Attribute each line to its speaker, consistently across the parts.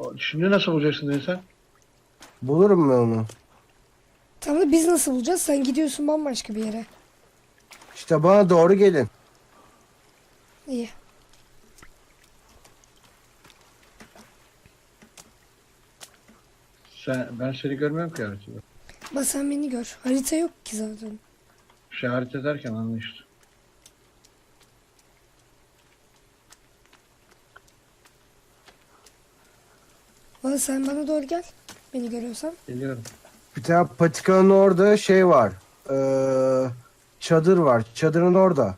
Speaker 1: Şimdi nasıl bulacaksın dedi sen?
Speaker 2: Bulurum ben onu.
Speaker 3: Tamam da biz nasıl bulacağız? Sen gidiyorsun bambaşka bir yere.
Speaker 2: İşte bana doğru gelin.
Speaker 3: İyi.
Speaker 1: Ben seni görmüyorum ki haritada.
Speaker 3: Bak sen beni gör. Harita yok ki zaten.
Speaker 1: İşaret ederken anla işte.
Speaker 3: Valla sen bana doğru gel. Beni görüyorsan.
Speaker 1: Geliyorum.
Speaker 2: Bir tane patikanın orada şey var. Çadır var. Çadırın orada.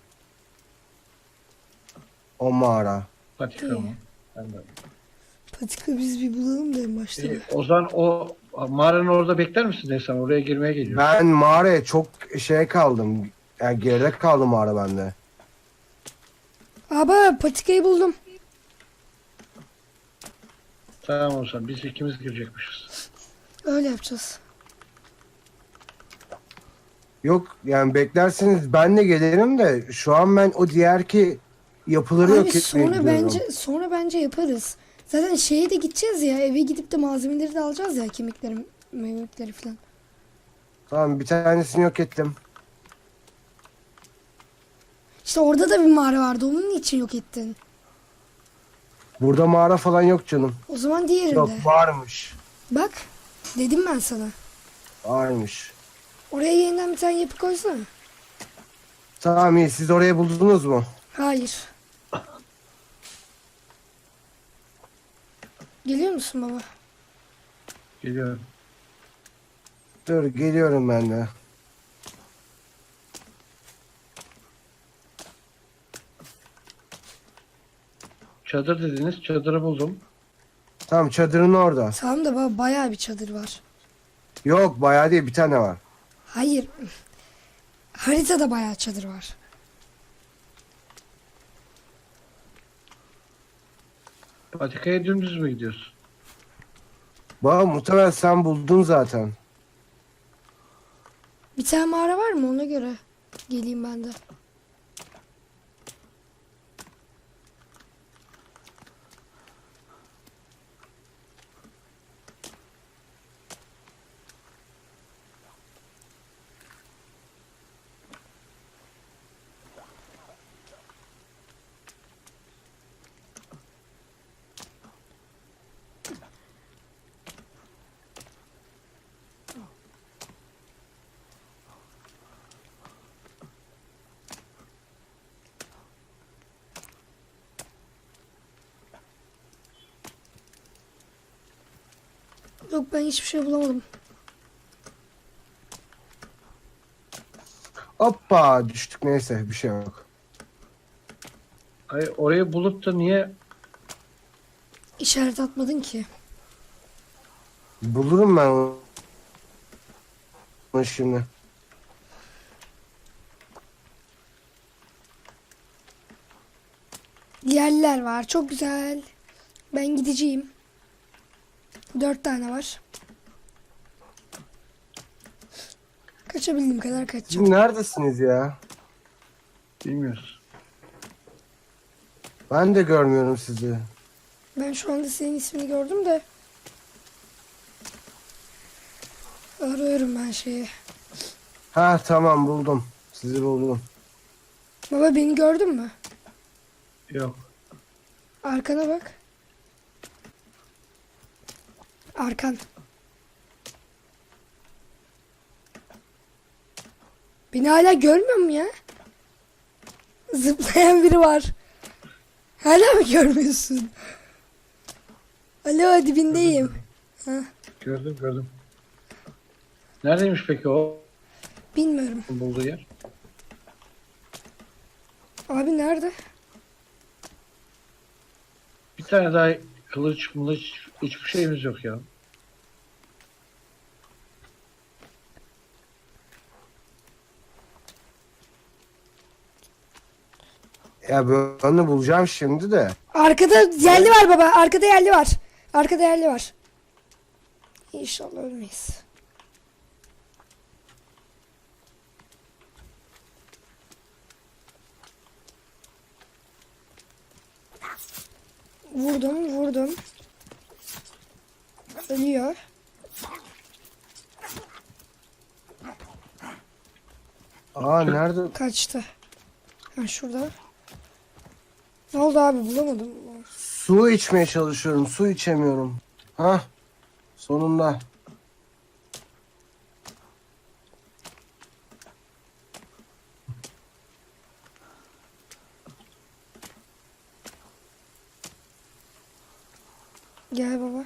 Speaker 2: O mağara.
Speaker 1: Patika
Speaker 3: İyi.
Speaker 1: mı? Ben de.
Speaker 3: Patika biz bir bulalım da en başta.
Speaker 1: O zaman o mağaranın orada bekler misin desem? Oraya girmeye geliyor.
Speaker 2: Ben mağaraya çok şey kaldım. Yani geride kaldı mağara bende.
Speaker 3: Aba patikayı buldum.
Speaker 1: Tamam o zaman biz ikimiz girecekmişiz.
Speaker 3: Öyle yapacağız.
Speaker 2: Yok yani beklerseniz ben de gelirim de şu an ben o diğerki yapıları
Speaker 3: Abi
Speaker 2: yok etmeye
Speaker 3: sonra
Speaker 2: gidiyorum.
Speaker 3: bence yaparız. Zaten şeye de gideceğiz ya. Eve gidip de malzemeleri de alacağız ya. Kemikleri falan.
Speaker 2: Tamam bir tanesini yok ettim.
Speaker 3: İşte orada da bir mağara vardı. Onun için yok ettin.
Speaker 2: Burada mağara falan yok canım.
Speaker 3: O zaman diğerinde.
Speaker 2: Yok varmış.
Speaker 3: Bak. Dedim ben sana.
Speaker 2: Varmış.
Speaker 3: Oraya yeniden bir tane yapı koysana.
Speaker 2: Tamam iyi siz orayı buldunuz mu?
Speaker 3: Hayır. Geliyor musun baba?
Speaker 1: Geliyorum.
Speaker 2: Dur geliyorum ben de.
Speaker 1: Çadır dediniz. Çadırı buldum.
Speaker 2: Tamam çadırın orada.
Speaker 3: Tamam da baba bayağı bir çadır var.
Speaker 2: Yok bayağı değil bir tane var.
Speaker 3: Hayır. Haritada bayağı çadır var.
Speaker 1: Patikaya dümdüz mü gidiyorsun?
Speaker 2: Bak muhtemelen sen buldun zaten.
Speaker 3: Bir tane mağara var mı ona göre? Geleyim ben de. Yok ben hiçbir şey bulamadım.
Speaker 2: Hoppa düştük neyse bir şey yok.
Speaker 1: Ay, orayı bulup da niye
Speaker 3: İşaret atmadın ki.
Speaker 2: Bulurum ben onu şimdi.
Speaker 3: Yerler var. Çok güzel. Ben gideceğim. 4 tane var. Kaçabildiğim kadar kaçacağım.
Speaker 2: Siz neredesiniz ya?
Speaker 1: bilmiyoruz.
Speaker 2: Ben de görmüyorum sizi.
Speaker 3: Ben şu anda senin ismini gördüm de. Arıyorum ben şeyi.
Speaker 2: Ha tamam buldum. Sizi buldum.
Speaker 3: Baba beni gördün mü?
Speaker 1: Yok.
Speaker 3: Arkana bak. Arkan. Beni hala görmüyor mu ya? Zıplayan biri var. Hala mı görmüyorsun? Alo dibindeyim. Ha,
Speaker 1: Gördüm. Neredeymiş peki o
Speaker 3: bilmiyorum.
Speaker 1: bulduğu yer?
Speaker 3: Abi nerede?
Speaker 1: Bir tane daha kılıç hiçbir şeyimiz yok ya.
Speaker 2: Ya ben onu bulacağım şimdi de.
Speaker 3: Arkada yerli var baba. Arkada yerli var. Arkada yerli var. İnşallah ölmeyiz. Vurdum. Ölüyor.
Speaker 2: Aa nerede?
Speaker 3: Kaçtı. Ha şurada. Ne oldu abi bulamadım.
Speaker 2: Su içmeye çalışıyorum. Su içemiyorum. Hah. Sonunda.
Speaker 3: Gel baba.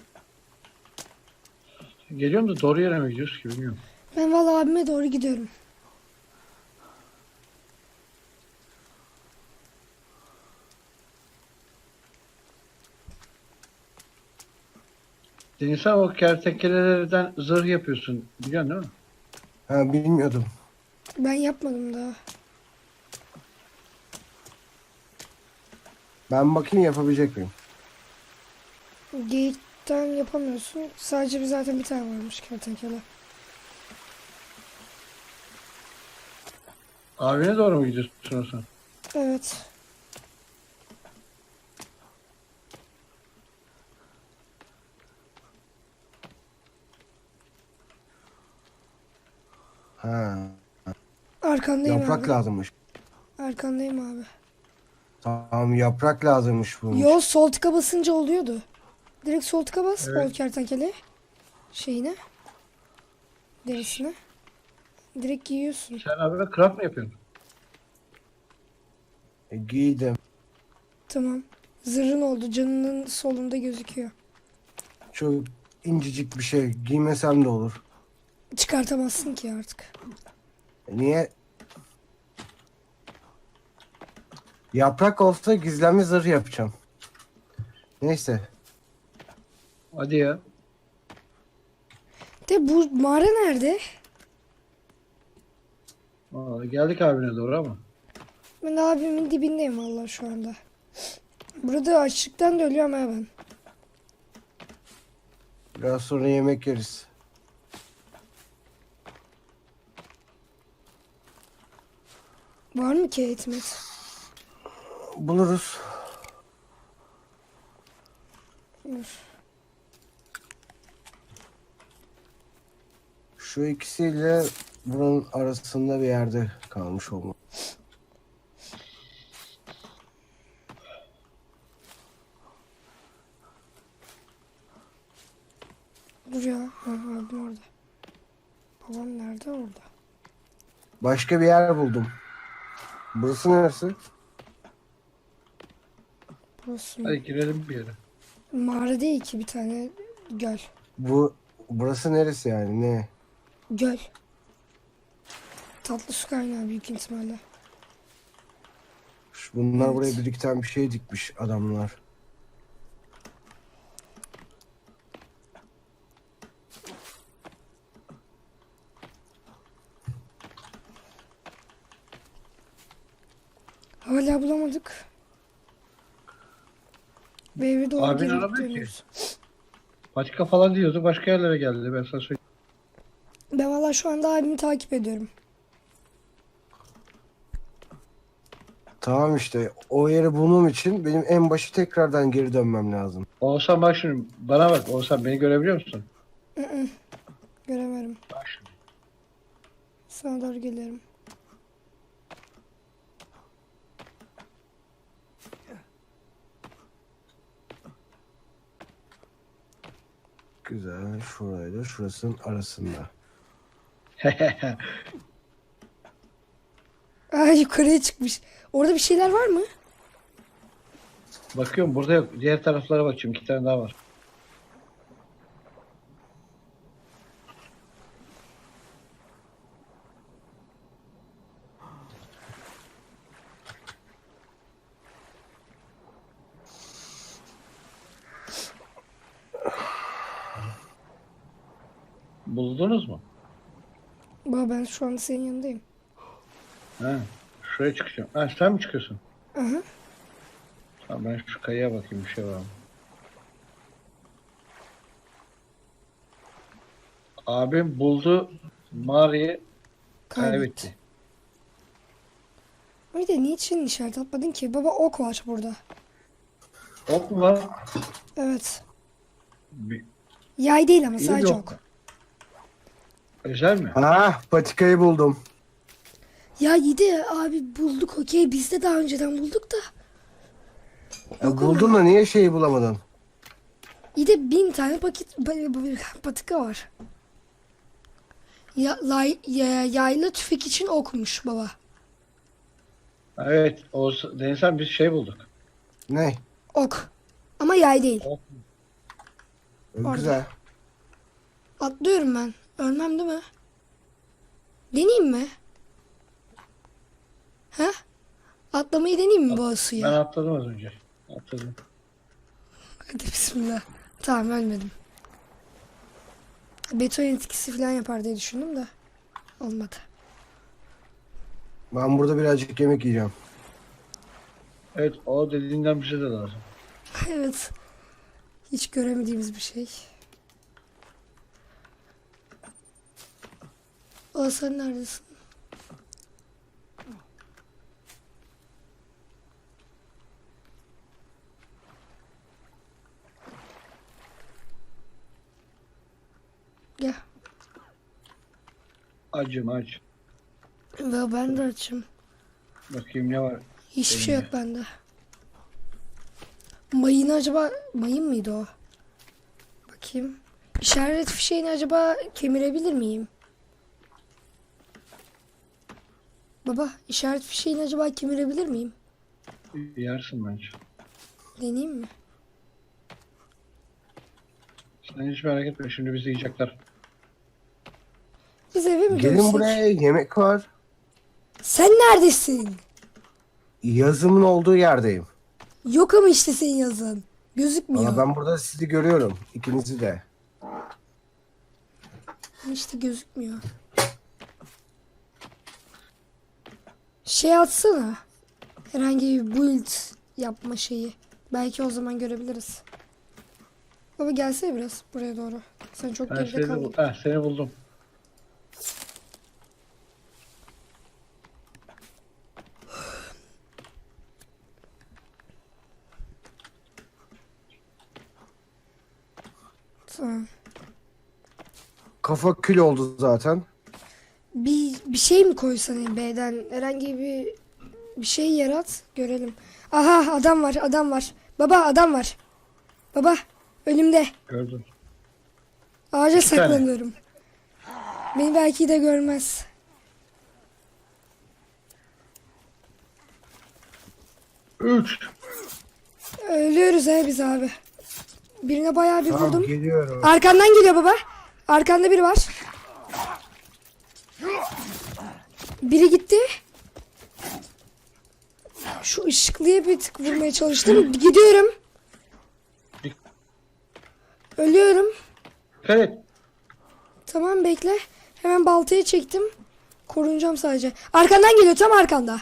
Speaker 1: Geliyorum da doğru yere mi gidiyoruz ki bilmiyorum.
Speaker 3: Ben vallahi abime doğru gidiyorum.
Speaker 1: Deniz abi o kertenkelelerden zırh yapıyorsun. Biliyorsun değil mi?
Speaker 2: Ha bilmiyordum.
Speaker 3: Ben yapmadım daha.
Speaker 2: Ben bakayım yapabilecek miyim?
Speaker 3: Geyikten yapamıyorsun. Sadece zaten bir tane varmış kertenkele.
Speaker 1: Abine doğru mu gidiyorsun o zaman?
Speaker 3: Evet.
Speaker 2: Ha.
Speaker 3: Arkandayım
Speaker 2: Yaprak
Speaker 3: abi.
Speaker 2: lazımmış.
Speaker 3: Arkandayım abi.
Speaker 2: Tamam yaprak lazımmış bunun.
Speaker 3: Yol sol tıka basınca oluyordu. Direkt sol tıka bas.
Speaker 1: Evet.
Speaker 3: O kertenkele şeyine. Derisine. Direkt giyiyorsun.
Speaker 1: Sen abi craft mı yapıyorsun?
Speaker 2: Giydim.
Speaker 3: Tamam. Zırhın oldu. Canının solunda gözüküyor.
Speaker 2: Çok incecik bir şey. Giymesem de olur.
Speaker 3: Çıkartamazsın ki artık.
Speaker 2: Niye? Yaprak olsa gizlenme zırh yapacağım. Neyse.
Speaker 1: Hadi ya.
Speaker 3: De bu mağara nerede?
Speaker 1: Geldik abine doğru ama.
Speaker 3: Ben abimin dibindeyim vallahi şu anda. Burada açlıktan da ölüyorum ha ben.
Speaker 2: Biraz sonra yemek yeriz.
Speaker 3: Var mı ki etmet?
Speaker 2: Buluruz.
Speaker 3: Dur.
Speaker 2: Şu ikisiyle buranın arasında bir yerde kalmış olmalı.
Speaker 3: Dur ya. Ha, abim orada. Babam nerede orada?
Speaker 2: Başka bir yer buldum. Burası neresi?
Speaker 3: Burası mı?
Speaker 1: Hadi girelim bir yere.
Speaker 3: Mağara değil ki bir tane göl.
Speaker 2: Burası neresi yani? Ne?
Speaker 3: Göl. Tatlı su kaynağı büyük ihtimalle.
Speaker 2: Bunlar
Speaker 3: Evet.
Speaker 2: buraya birlikten bir şey dikmiş adamlar.
Speaker 3: Hala bulamadık. Ve eve doğru
Speaker 1: Abin
Speaker 3: geri
Speaker 1: aramıyor ki.
Speaker 3: dönüyoruz.
Speaker 1: Başka falan diyordu. Başka yerlere geldi. Ben sana söyleyeyim.
Speaker 3: Ben valla şu anda abimi takip ediyorum.
Speaker 2: Tamam işte o yeri bulmam için benim en başı tekrardan geri dönmem lazım.
Speaker 1: Oğuzhan bak şimdi. Bana bak. Oğuzhan beni görebiliyor musun?
Speaker 3: Göremiyorum.
Speaker 1: Bak şimdi.
Speaker 3: Sana doğru geliyorum.
Speaker 2: Güzel. Şurayla şurasının arasında.
Speaker 3: Aa yukarıya çıkmış. Orada bir şeyler var mı?
Speaker 1: Bakıyorum burada yok. Diğer taraflara bakıyorum. 2 tane daha var. Buldunuz mu?
Speaker 3: Baba ben şu anda senin yanındayım.
Speaker 1: He. Şuraya çıkacağım. Ha sen mi çıkıyorsun?
Speaker 3: Aha.
Speaker 1: Tamam ben şu kayaya bakayım bir şey var mı? Abim buldu. Mağarayı kaybetti.
Speaker 3: Bir de niçin işaret atmadın ki? Baba ok var burada.
Speaker 1: Ok mu var?
Speaker 3: Evet.
Speaker 1: Bir-
Speaker 3: Yay değil ama
Speaker 2: İyi
Speaker 3: sadece
Speaker 2: yok.
Speaker 3: ok.
Speaker 1: Özel mi?
Speaker 2: Ah, patikayı buldum.
Speaker 3: Ya iyi de abi bulduk okey. Biz de daha önceden bulduk da. Yok ama.
Speaker 2: Buldun da niye şeyi bulamadın?
Speaker 3: İyi de 1000 tane patika var. Yaylı tüfek için okmuş baba.
Speaker 1: Evet. Denizhan biz şey bulduk.
Speaker 2: Ne?
Speaker 3: Ok. Ama yay değil.
Speaker 1: Ok.
Speaker 3: Orada.
Speaker 2: Güzel.
Speaker 3: Atlıyorum ben. Ölmem değil mi? Deneyeyim mi? He? Atlamayı deneyeyim mi bu
Speaker 1: Ben
Speaker 3: suya?
Speaker 1: atladım az önce. Atladım.
Speaker 3: Hadi bismillah. Tamam ölmedim. Beton etkisi falan yapar diye düşündüm de. Olmadı.
Speaker 2: Ben burada birazcık yemek yiyeceğim.
Speaker 1: Evet o dediğinden bize de lazım.
Speaker 3: Evet. Hiç göremediğimiz bir şey. O sen neredesin? Gel.
Speaker 1: Acım aç.
Speaker 3: Ve ben de açım.
Speaker 1: Bakayım ne var.
Speaker 3: Hiçbir şey yok bende. Mayını acaba... Mayın mıydı o? Bakayım. İşaret fişeğini acaba kemirebilir miyim? Baba işaret fişeğini acaba kemirebilir miyim?
Speaker 1: Yersin bence.
Speaker 3: Deneyeyim mi?
Speaker 1: Sen hiç merak etme şimdi bizi yiyecekler.
Speaker 3: Biz eve mi
Speaker 2: Gelin
Speaker 3: dönsek?
Speaker 2: buraya, yemek var.
Speaker 3: Sen neredesin?
Speaker 2: Yazımın olduğu yerdeyim.
Speaker 3: Yok ama işte senin yazın. Gözükmüyor.
Speaker 2: Valla ben burada sizi görüyorum. İkinizi de.
Speaker 3: İşte gözükmüyor. Şey atsana. Herhangi bir build yapma şeyi. Belki o zaman görebiliriz. Baba gelsene biraz buraya doğru. Sen çok
Speaker 1: Ben
Speaker 3: geride
Speaker 1: seni,
Speaker 3: kaldın.
Speaker 1: seni buldum.
Speaker 3: Tamam.
Speaker 2: Kafa kül oldu zaten.
Speaker 3: Bir şey mi koysan B'den? Herhangi bir şey yarat. Görelim. Aha adam var adam var. Baba adam var. Baba önümde.
Speaker 1: Gördüm.
Speaker 3: Ağaca
Speaker 1: İki tane.
Speaker 3: saklanıyorum. Beni belki de görmez.
Speaker 1: Üç.
Speaker 3: Ölüyoruz biz abi. Birine bayağı bir
Speaker 2: Tamam,
Speaker 3: vurdum.
Speaker 2: geliyorum.
Speaker 3: Arkandan geliyor baba. Arkanda biri var. Biri gitti. Şu ışıklıya bir tık vurmaya çalıştım. Gidiyorum. Ölüyorum.
Speaker 1: Evet.
Speaker 3: Tamam bekle. Hemen baltaya çektim. Korunacağım sadece. Arkandan geliyor tam arkanda.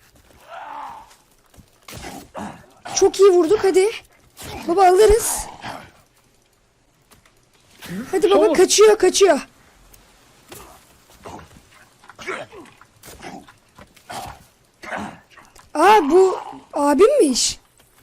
Speaker 3: Çok iyi vurduk hadi. Baba alırız. Hadi baba
Speaker 1: Sol.
Speaker 3: kaçıyor kaçıyor. Aa bu abimmiş.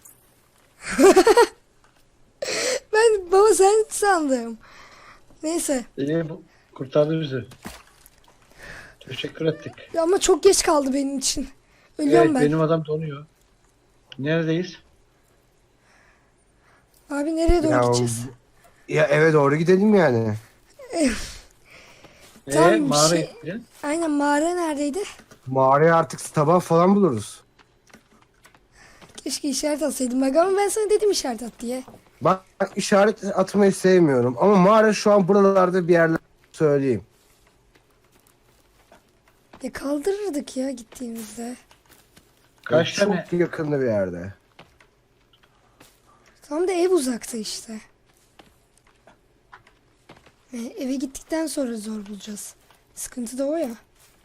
Speaker 3: Ben baba sen sandım. Neyse.
Speaker 1: İyi bu kurtardı bizi. Teşekkür ettik.
Speaker 3: Ama çok geç kaldı benim için. Ölüyorum
Speaker 1: Evet
Speaker 3: ben.
Speaker 1: benim adam donuyor. Neredeyiz?
Speaker 3: Abi nereye doğru
Speaker 2: Ya,
Speaker 3: gideceğiz?
Speaker 2: ya eve doğru gidelim yani.
Speaker 3: Tamam, bir
Speaker 1: Mağara
Speaker 3: şey-
Speaker 1: gideceğiz.
Speaker 3: Aynen mağara neredeydi?
Speaker 2: Mağaraya artık sabah falan buluruz.
Speaker 3: Keşke işaret atsaydım bak ama ben sana dedim işaret at diye.
Speaker 2: Ben işaret atmayı sevmiyorum. Ama mağara şu an buralarda bir yerler söyleyeyim.
Speaker 3: Ya kaldırırdık ya gittiğimizde.
Speaker 1: Kaç
Speaker 2: Çok
Speaker 1: tane?
Speaker 2: yakında bir yerde.
Speaker 3: Tam da ev uzakta işte. Eve gittikten sonra zor bulacağız. Sıkıntı da o ya.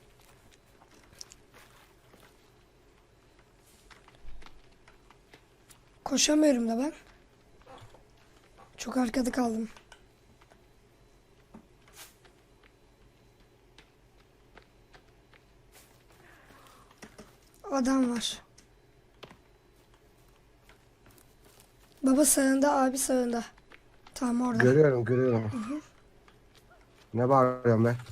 Speaker 3: Koşamıyorum da ben. Çok arkada kaldım. Adam var. Baba sağında, abi sağında. Tamam orada.
Speaker 2: Görüyorum görüyorum. Ne bağırıyorum ben?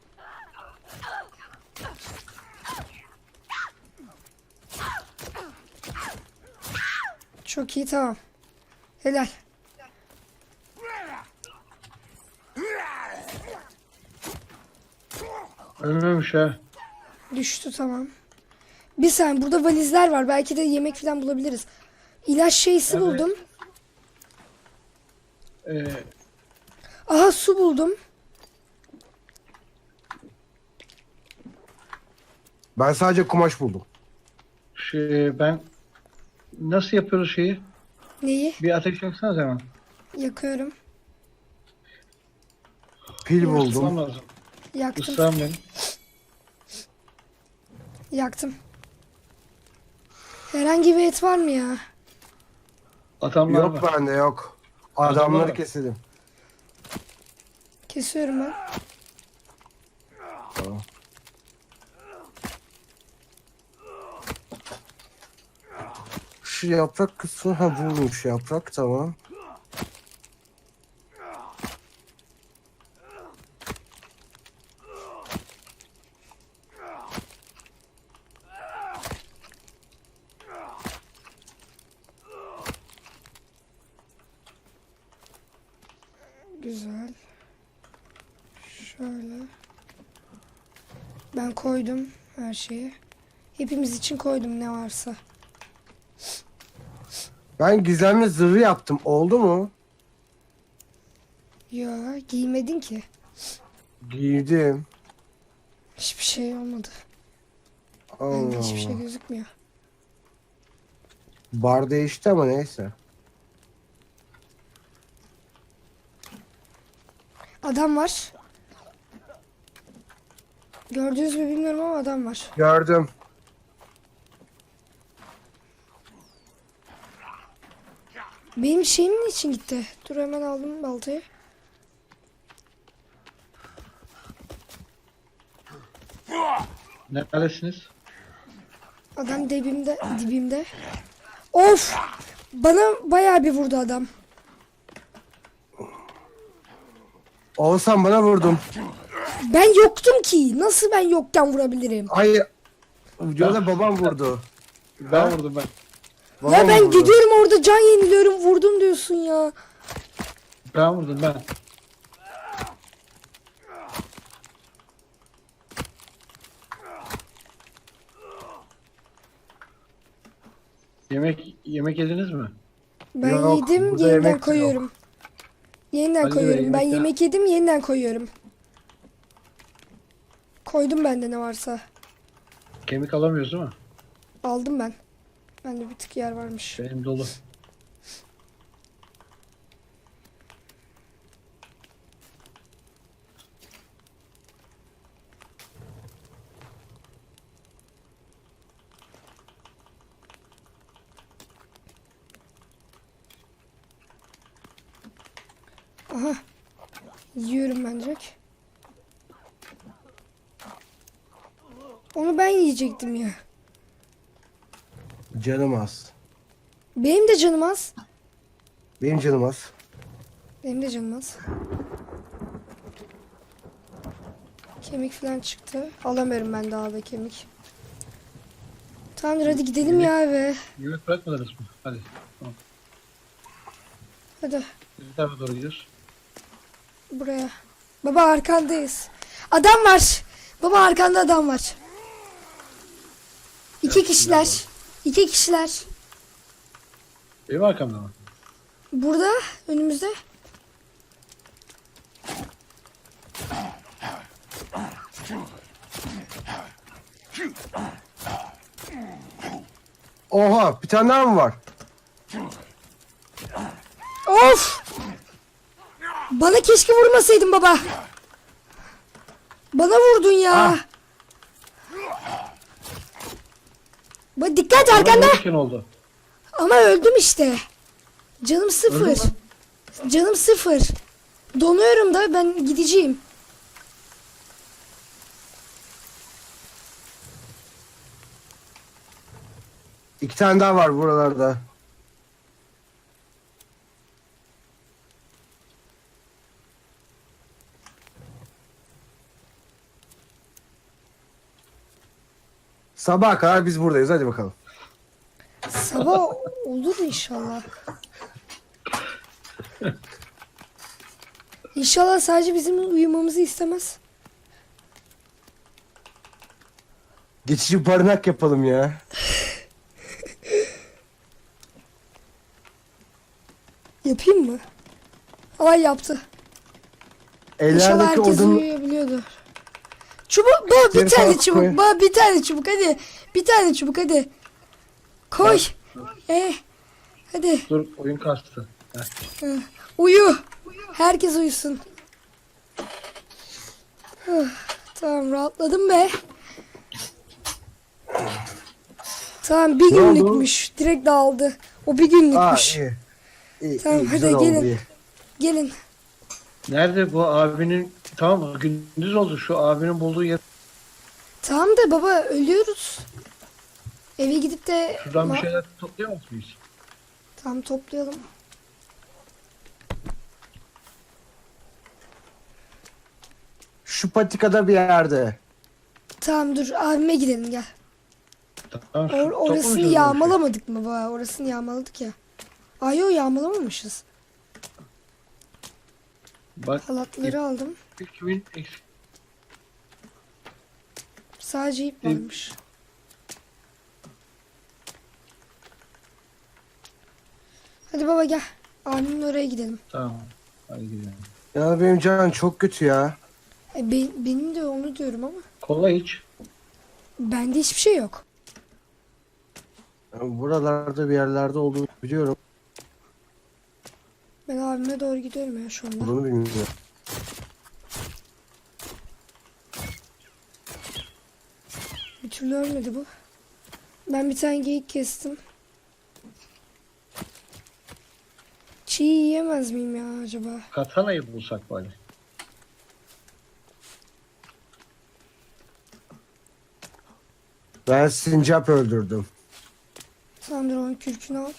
Speaker 3: Çok iyi, tamam. Helal.
Speaker 1: Ölmemiş ha.
Speaker 3: Düştü, tamam. Bir saniye, burada valizler var. Belki de yemek falan bulabiliriz. İlaç şeysi
Speaker 1: Evet.
Speaker 3: buldum.
Speaker 1: Ee,
Speaker 3: Aha, su buldum.
Speaker 2: Ben sadece kumaş buldum.
Speaker 1: ben nasıl yapıyoruz şeyi?
Speaker 3: Neyi?
Speaker 1: Bir ateş yaksanız hemen.
Speaker 3: Yakıyorum.
Speaker 2: Pil
Speaker 1: Islam
Speaker 2: buldum.
Speaker 1: lazım.
Speaker 3: Yaktım.
Speaker 1: Islam benim.
Speaker 3: Yaktım. Herhangi bir et var mı ya?
Speaker 1: Adamlar
Speaker 2: Yok
Speaker 1: var.
Speaker 2: bende yok.
Speaker 1: Adamlar
Speaker 2: Adamları
Speaker 1: var.
Speaker 2: keselim.
Speaker 3: Kesiyorum ben.
Speaker 2: Tamam. Şu yaprak kısmı ha bulmuş yaprak tamam.
Speaker 3: Güzel. Şöyle. Ben koydum her şeyi. Hepimiz için koydum ne varsa.
Speaker 2: Ben gizemli zırhı yaptım. Oldu mu?
Speaker 3: Ya giymedin ki.
Speaker 2: Giydim.
Speaker 3: Hiçbir şey olmadı.
Speaker 2: Allah
Speaker 3: Bende hiçbir şey
Speaker 2: Allah.
Speaker 3: gözükmüyor.
Speaker 2: Bar değişti ama neyse.
Speaker 3: Adam var. Gördünüz mü bilmiyorum ama adam var.
Speaker 2: Gördüm.
Speaker 3: Benim şeyim için gitti. Dur hemen aldım baltayı.
Speaker 1: Neredesiniz?
Speaker 3: Adam dibimde. Of! Bana bayağı bir vurdu adam.
Speaker 2: Oğuzhan bana vurdum.
Speaker 3: Ben yoktum ki. Nasıl ben yokken vurabilirim?
Speaker 2: Hayır. Videoda babam vurdu.
Speaker 1: Ben vurdum ben.
Speaker 3: Ya
Speaker 2: Babam
Speaker 3: ben
Speaker 2: vurdu.
Speaker 3: gidiyorum orada can yeniliyorum. Vurdum diyorsun ya.
Speaker 1: Ben vurdum ben. Yemek yediniz mi?
Speaker 3: Ben
Speaker 2: Yok,
Speaker 3: yedim,
Speaker 2: burada
Speaker 3: yeniden
Speaker 2: yemek de
Speaker 3: koyuyorum. Yeniden
Speaker 1: Ali Bey,
Speaker 3: koyuyorum. Ben
Speaker 1: yemek ya.
Speaker 3: yemek yedim, yeniden koyuyorum. Koydum bende ne varsa.
Speaker 1: Kemik alamıyoruz değil mi?
Speaker 3: Aldım ben. Bende bir tık yer varmış.
Speaker 1: Benim dolu.
Speaker 3: Aha. Yiyorum ben direkt. Onu ben yiyecektim ya.
Speaker 2: Canım az.
Speaker 3: Benim de canım az.
Speaker 2: Benim canım az.
Speaker 3: Benim de canım az. Kemik falan çıktı. Alamıyorum ben daha da kemik. Tamamdır hadi gidelim ya eve.
Speaker 1: Yemek bırakmadınız mı? Hadi. Tamam.
Speaker 3: Hadi
Speaker 1: Biz bir tarafa doğru gidiyoruz.
Speaker 3: buraya. Baba arkandayız. Adam var. Baba arkanda adam var. İki kişiler. İki kişiler.
Speaker 1: Benim arkamda mı?
Speaker 3: Burada önümüzde.
Speaker 2: Oha bir tane daha mı var?
Speaker 3: Of! Bana keşke vurmasaydın baba. Bana vurdun ya.
Speaker 2: Ah.
Speaker 3: Dikkat arkanda.
Speaker 1: Vururken oldu.
Speaker 3: Ama öldüm işte. Canım sıfır.
Speaker 1: Öldün mü?
Speaker 3: Canım sıfır. Donuyorum da ben gideceğim.
Speaker 2: İki tane daha var buralarda. Sabaha kadar biz buradayız. Hadi bakalım.
Speaker 3: Sabah olur inşallah. İnşallah sadece bizim uyumamızı istemez.
Speaker 2: Geçici barınak yapalım ya.
Speaker 3: Yapayım mı? Ay yaptı. İnşallah
Speaker 2: Ellerindeki
Speaker 3: herkes
Speaker 2: odun...
Speaker 3: uyuyabiliyordur. Çubuk, baba bir
Speaker 2: Geri
Speaker 3: tane
Speaker 2: falan
Speaker 3: çubuk,
Speaker 2: koy.
Speaker 3: baba bir tane çubuk hadi. Bir tane çubuk hadi. Koy. Hadi
Speaker 1: Dur oyun kastı.
Speaker 3: uyu. Herkes uyusun. Huh, tamam rahatladım be. Tamam bir
Speaker 2: Ne oldu?
Speaker 3: günlükmüş. Direkt dağıldı. O bir
Speaker 2: Aa,
Speaker 3: günlükmüş.
Speaker 2: iyi. İyi,
Speaker 3: Tamam,
Speaker 2: iyi,
Speaker 3: hadi
Speaker 2: güzel oldu,
Speaker 3: gelin.
Speaker 2: iyi.
Speaker 3: Gelin.
Speaker 1: Nerede bu abinin? Tamam gündüz oldu, şu abinin bulduğu yer.
Speaker 3: Tamam da baba ölüyoruz. Eve gidip de
Speaker 1: Şuradan bir şeyler toplayamaz mıyız?
Speaker 3: Tamam toplayalım.
Speaker 2: Şu patikada bir yerde.
Speaker 3: Tamam dur abime gidelim gel.
Speaker 1: Tamam,
Speaker 3: Orasını
Speaker 1: toplamayacağız bu
Speaker 3: yağmalamadık mı baba? Orasını yağmaladık ya. Ay yo yağmalamamışız.
Speaker 1: işi. Bak
Speaker 3: Halatları aldım.
Speaker 1: 2000 eksik.
Speaker 3: Sadece ip varmış. Hadi baba gel. Abimin oraya gidelim.
Speaker 1: Tamam. Hadi gidelim.
Speaker 2: Ya benim canım çok kötü ya.
Speaker 3: Benim de onu diyorum ama.
Speaker 1: Kola iç.
Speaker 3: Bende hiçbir şey yok.
Speaker 2: Buralarda bir yerlerde olduğunu biliyorum.
Speaker 3: Ben abime doğru gidiyorum ya şu anda.
Speaker 2: Bunu bilmiyorum.
Speaker 3: Bir türlü ölmedi bu. Ben bir tane geyik kestim. Çiğ yiyemez miyim ya acaba?
Speaker 1: Katanayı bulsak bari.
Speaker 2: Ben sincap öldürdüm.
Speaker 3: Sen dur onun kürkünü al.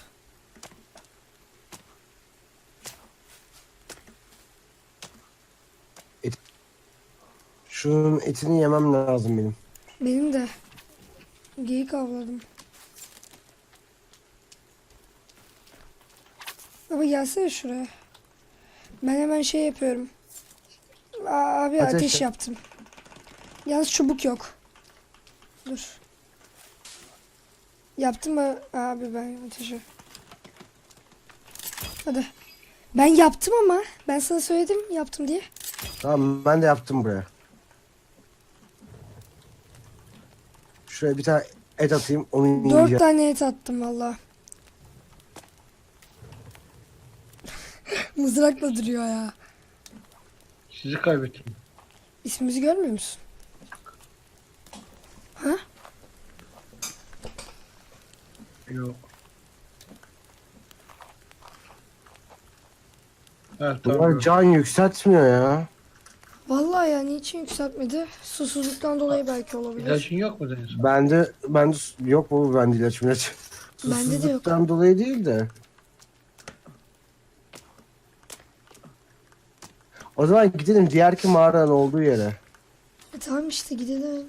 Speaker 2: Şunun etini yemem lazım benim.
Speaker 3: Benim de. Geyik avladım. Baba gelsene şuraya. Ben hemen şey yapıyorum. Abi
Speaker 2: Ateş
Speaker 3: ateş
Speaker 2: yap.
Speaker 3: yaptım. Yalnız çubuk yok. Dur. Yaptım mı abi ben ateşi? Hadi. Ben yaptım ama. Ben sana söyledim yaptım diye.
Speaker 2: Tamam ben de yaptım buraya. Şuraya bir tane et atayım onu
Speaker 3: 4
Speaker 2: yiyeceğim.
Speaker 3: tane et attım valla. Mızrakla duruyor ya.
Speaker 1: Sizi kaybettim.
Speaker 3: İsmimizi görmüyor musun? Ha?
Speaker 1: Yok. Evet
Speaker 2: Bunlar
Speaker 1: tamam.
Speaker 2: can yükseltmiyor ya.
Speaker 3: Vallahi ya niçin yükseltmedi? Susuzluktan dolayı belki olabilir.
Speaker 1: İlacın yok mu Deniz?
Speaker 2: Bende yok bu bende ilaç.
Speaker 3: Bende de yok.
Speaker 2: Susuzluktan dolayı değil de. O zaman gidelim diğerki mağaranın olduğu yere.
Speaker 3: Tamam işte gidelim.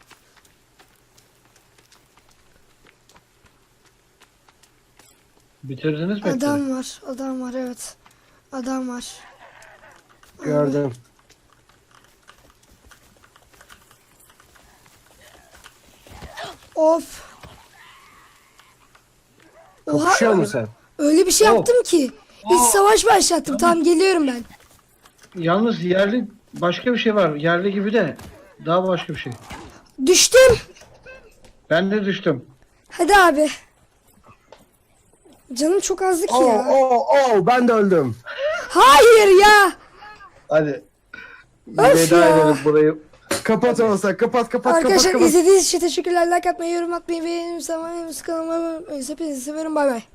Speaker 1: Bitirdiniz mi?
Speaker 3: Adam var. Adam var evet. Adam var.
Speaker 2: Gördüm.
Speaker 3: Of. Oha
Speaker 2: Kapışıyor musun sen?
Speaker 3: öyle bir şey
Speaker 1: Oh.
Speaker 3: yaptım ki. Bir savaş başlattım. Tamam geliyorum ben.
Speaker 1: Yalnız yerli başka bir şey var. Yerli gibi de daha başka bir şey.
Speaker 3: Düştüm.
Speaker 1: Ben de düştüm.
Speaker 3: Hadi abi. Canım çok azdı ki ya.
Speaker 2: Ben de öldüm.
Speaker 3: Hayır ya.
Speaker 1: Hadi.
Speaker 3: Öf
Speaker 1: Veda
Speaker 3: ya.
Speaker 1: edelim burayı.
Speaker 2: Kapat olsa kapat.
Speaker 3: Arkadaşlar izlediğiniz için teşekkürler. Like atmayı, yorum atmayı ve benim kanalıma abone olmayı. Hepinizi seviyorum. Bay bay.